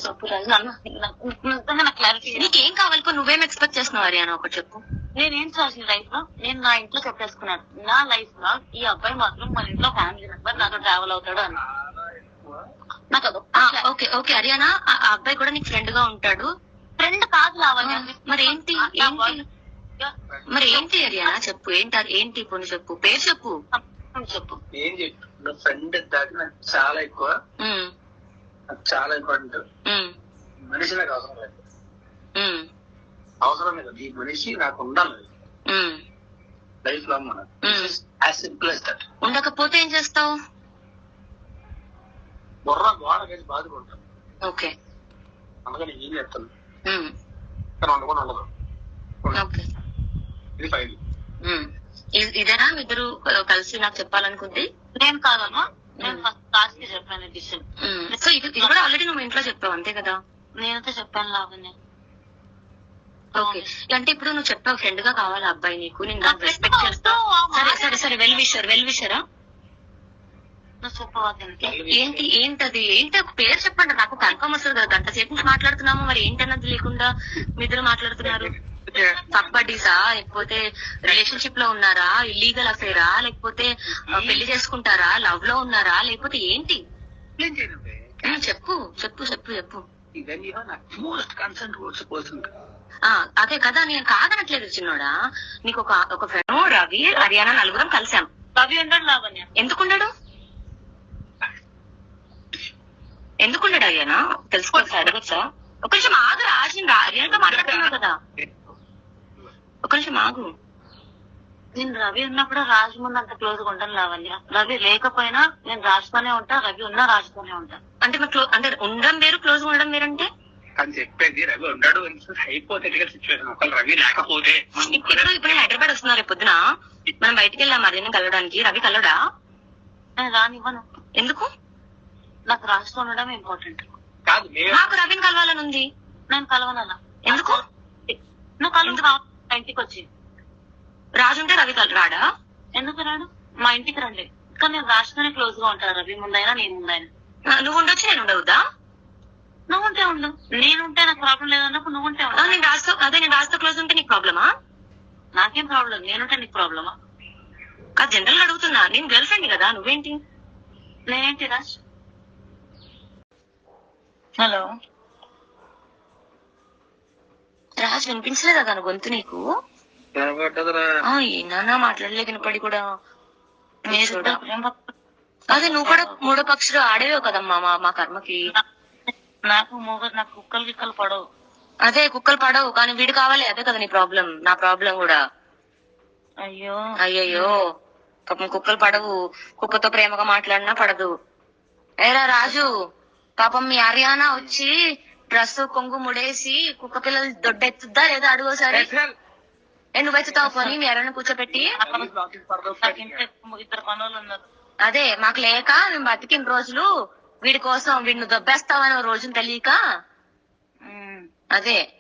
చెప్పు రాజు. నిజంగా నాకు క్లారిటీ. నీకేం కావాలి? నువ్వేం ఎక్స్పెక్ట్ చేస్తున్నావు హరియానా? ఒకటి చెప్పు. నేనేం చేసిన లైఫ్ లో నేను నా ఇంట్లో చెప్పేసుకున్నాను. నా లైఫ్ లో ఈ అబ్బాయి మాత్రం మన ఇంట్లో ఫ్యామిలీ మెంబర్, నాతో ట్రావెల్ అవుతాడు అని. నాకు ఓకే ఓకే హరియానా, ఆ అబ్బాయి కూడా నీకు ఫ్రెండ్ గా ఉంటాడు. ఫ్రెండ్ కాదు లావణ్య. మరి ఏంటి మరి ఏంటి హరియానా? చెప్పు ఏంటి ఇప్పుడు చెప్పు, పేరు చెప్పు. చెప్పు ఏం చెప్పు. ఫ్రెండ్ దాకా నాకు చాలా ఎక్కువ, నాకు చాలా ఇంపార్టెంట్. మనిషి నాకు అవసరం లేదు, అవసరం లేదు. ఈ మనిషి నాకు ఉండాలి లైఫ్ లాంగ్. మనం యాజ్ సింపుల్ as that. ఉండకపోతే ఏం చేస్తావు? బుర్ర గోడ వేసి బాదుకుంటాను. ఓకే, అందుకని ఏం చేస్తాను కానీ ఉండకుండా ఉండదు. ఇది ఫైల్. ఇదేనా ఇద్దరు కలిసి నాకు చెప్పాలనుకుంది? నేను కాదమ్మా, నేను ఫస్ట్ లాస్ట్ కి చెప్పాను డిసిషన్. సో ఇది కూడా ఆల్రెడీ నువ్వు ఇంట్లో చెప్పావు అంతే కదా? నేనైతే చెప్పాను లావణ్య. ఓకే, అంటే ఇప్పుడు నువ్వు చెప్పావు ఫ్రెండ్ గా కావాలి అబ్బాయి నీకు, నేను రెస్పెక్ట్ చేస్తా. సరే సరే సరే, వెల్ విషరా. ఏంటది ఒక పేరు చెప్పండి, నాకు కన్ఫర్మ్ వస్తుంది కదా. గంట సేపు నుంచి మాట్లాడుతున్నాము, మరి ఏంటన్నది లేకుండా మీ ఇద్దరు మాట్లాడుతున్నారు. పబ్బడీసా, లేకపోతే రిలేషన్షిప్ లో ఉన్నారా, ఇల్లీగల్ అఫేరా, లేకపోతే పెళ్లి చేసుకుంటారా, లవ్ లో ఉన్నారా, లేకపోతే ఏంటి? చెప్పు చెప్పు చెప్పు చెప్పు. అదే కదా, నేను కాదనట్లేదు చిన్నోడా. నీకు ఒక ఫ్రెండ్ రవి, హరియానా నలుగురం కలిసాం. రవి ఉండడు లావణ్య. ఎందుకుండడు హరియానా? తెలుసుకోవచ్చు, అడగచ్చా? ఒక నిమిషం ఆగు రాజు, హరియానాతో మాట్లాడుతున్నావు కదా. ఒక నిమిషం ఆగు. నేను రవి ఉన్నప్పుడు రాజు ముందు అంత క్లోజ్ గా ఉంటాను లావణ్య. రవి లేకపోయినా నేను రాజుతోనే ఉంటా, రవి ఉన్నా రాజుతోనే ఉంటా. అంటే అంటే ఉండడం వేరు, క్లోజ్ గా ఉండడం వేరంటే అని చెప్పేది. రవి ఉండడు హైపోథెటికల్ సిచ్యువేషన్. ఒకవేళ రవి లేకపోతే ఇప్పుడు హైదరాబాద్ వస్తున్నారు రేపు పొద్దున, మనం బయటికి వెళ్ళాం హరియానా కలవడానికి. రవి కలవడా? నేను రానివ్వను. ఎందుకు? నాకు రాజుతో ఉండడం ఇంపార్టెంట్ కాదు. నాకు రవిని కలవాలని ఉంది. నేను కలవనన్నా. ఎందుకు? నువ్వు కలువు ఇంటికి వచ్చి. రాజు ఉంటే రవి రాడా? ఎందుకు రాడు? మా ఇంటికి రండి. కానీ నేను రాజుతోనే క్లోజ్ గా ఉంటాను, రవి ముందైనా నేను ముందైనా. నువ్వు ఉండొచ్చు, నేను ఉండవుదా? నువ్వు ఉంటే ఉండు, నేనుంటే నాకు ప్రాబ్లం లేదన్నప్పుడు నువ్వు ఉంటే ఉండు. నేను రాజుతో క్లోజ్ ఉంటే నీకు ప్రాబ్లమా? నాకేం ప్రాబ్లం, నేనుంటే నీకు ప్రాబ్లమా? కాదు, జనరల్ అడుగుతున్నా. నేను గర్ల్ ఫ్రెండ్ కదా, నువ్వేంటి? నేనేంటి రాజ్? హలో రాజ్, వినిపించలేదా తన గొంతు నీకు? ఏనా మాట్లాడలే వినపడి కూడా. అదే నువ్వు కూడా మూడో పక్షులు ఆడేవో కదమ్మా మా కర్మకి. నాకు కుక్కలు గిక్కలు పడవు. అదే కుక్కలు పడవు, కానీ వీడు కావాలి. అదే కదా నీ ప్రాబ్లం, నా ప్రాబ్లం కూడా. అయ్యయ్యో పాపం కుక్కలు పడవు. కుక్కతో ప్రేమగా మాట్లాడినా పడదు. ఏరా రాజు, పాపం మీ హరియానా వచ్చి డ్రెస్ కొంగు ముడేసి కుక్క పిల్లలు దొడ్డెత్తుద్దా లేదా అడుగోసారి. నువ్వెత్తుతావు పోనీ మీ హరియానా కూర్చోబెట్టి. ఇద్దరు పనులు ఉన్నారు. అదే మాకు లేక మేము బతికిన రోజులు వీడి కోసం, వీడిని దొబ్బేస్తావని రోజును తెలియక. అదే